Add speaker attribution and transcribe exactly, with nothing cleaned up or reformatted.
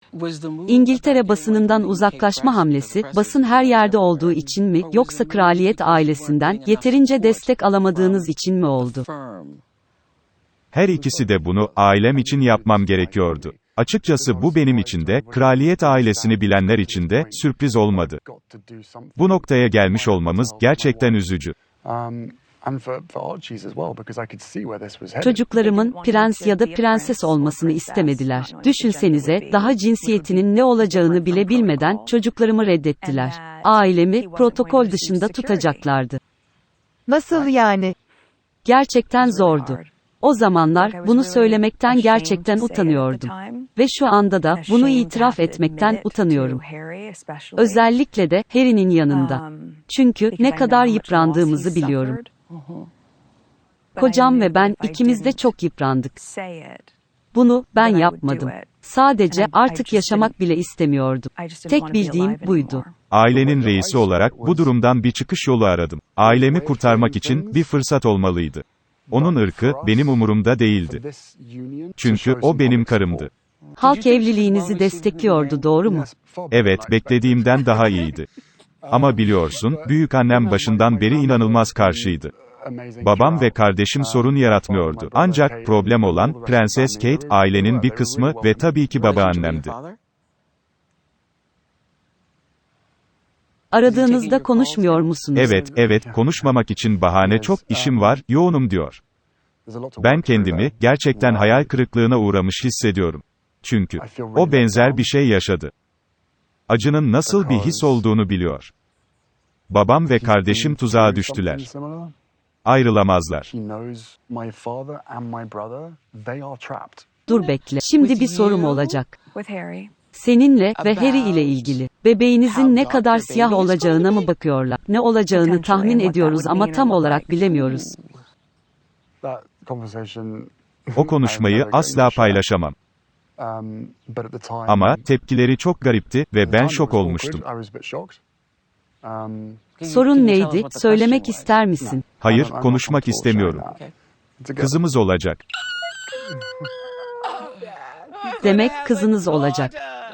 Speaker 1: İngiltere basınından uzaklaşma hamlesi, basın her yerde olduğu için mi, yoksa kraliyet ailesinden yeterince destek alamadığınız için mi oldu?
Speaker 2: Her ikisi de bunu, ailem için yapmam gerekiyordu. Açıkçası bu benim için de, kraliyet ailesini bilenler için de, sürpriz olmadı. Bu noktaya gelmiş olmamız, gerçekten üzücü.
Speaker 1: Çocuklarımın, prens ya da prenses olmasını istemediler. Düşünsenize, daha cinsiyetinin ne olacağını bile bilmeden, çocuklarımı reddettiler. Ailemi, protokol dışında tutacaklardı.
Speaker 3: Nasıl yani?
Speaker 1: Gerçekten zordu. O zamanlar, bunu söylemekten gerçekten utanıyordum. Ve şu anda da, bunu itiraf etmekten utanıyorum. Özellikle de, Harry'nin yanında. Çünkü, ne kadar yıprandığımızı biliyorum. Kocam ve ben, ikimiz de çok yıprandık. Bunu, ben yapmadım. Sadece, artık yaşamak bile istemiyordum. Tek bildiğim, buydu.
Speaker 2: Ailenin reisi olarak, bu durumdan bir çıkış yolu aradım. Ailemi kurtarmak için, bir fırsat olmalıydı. Onun ırkı, benim umurumda değildi. Çünkü, o benim karımdı.
Speaker 1: Halk evliliğinizi destekliyordu, doğru mu?
Speaker 2: Evet, beklediğimden daha iyiydi. Ama biliyorsun, büyükannem başından beri inanılmaz karşıydı. Babam ve kardeşim sorun yaratmıyordu. Ancak, problem olan, Prenses Kate, ailenin bir kısmı ve tabii ki babaannemdi.
Speaker 1: Aradığınızda konuşmuyor musunuz?
Speaker 2: Evet, evet, konuşmamak için bahane çok, işim var, yoğunum diyor. Ben kendimi, gerçekten hayal kırıklığına uğramış hissediyorum. Çünkü, o benzer bir şey yaşadı. Acının nasıl bir his olduğunu biliyor. Babam ve kardeşim tuzağa düştüler. Ayrılamazlar.
Speaker 1: Dur bekle. Şimdi bir sorum olacak. Seninle ve Harry ile ilgili. Bebeğinizin ne kadar siyah olacağına mı bakıyorlar? Ne olacağını tahmin ediyoruz ama tam olarak bilemiyoruz.
Speaker 2: O konuşmayı asla paylaşamam. Ama, tepkileri çok garipti ve ben şok olmuştum.
Speaker 1: Sorun neydi? Söylemek ister misin?
Speaker 2: Hayır, konuşmak istemiyorum. Kızımız olacak.
Speaker 1: Demek kızınız olacak.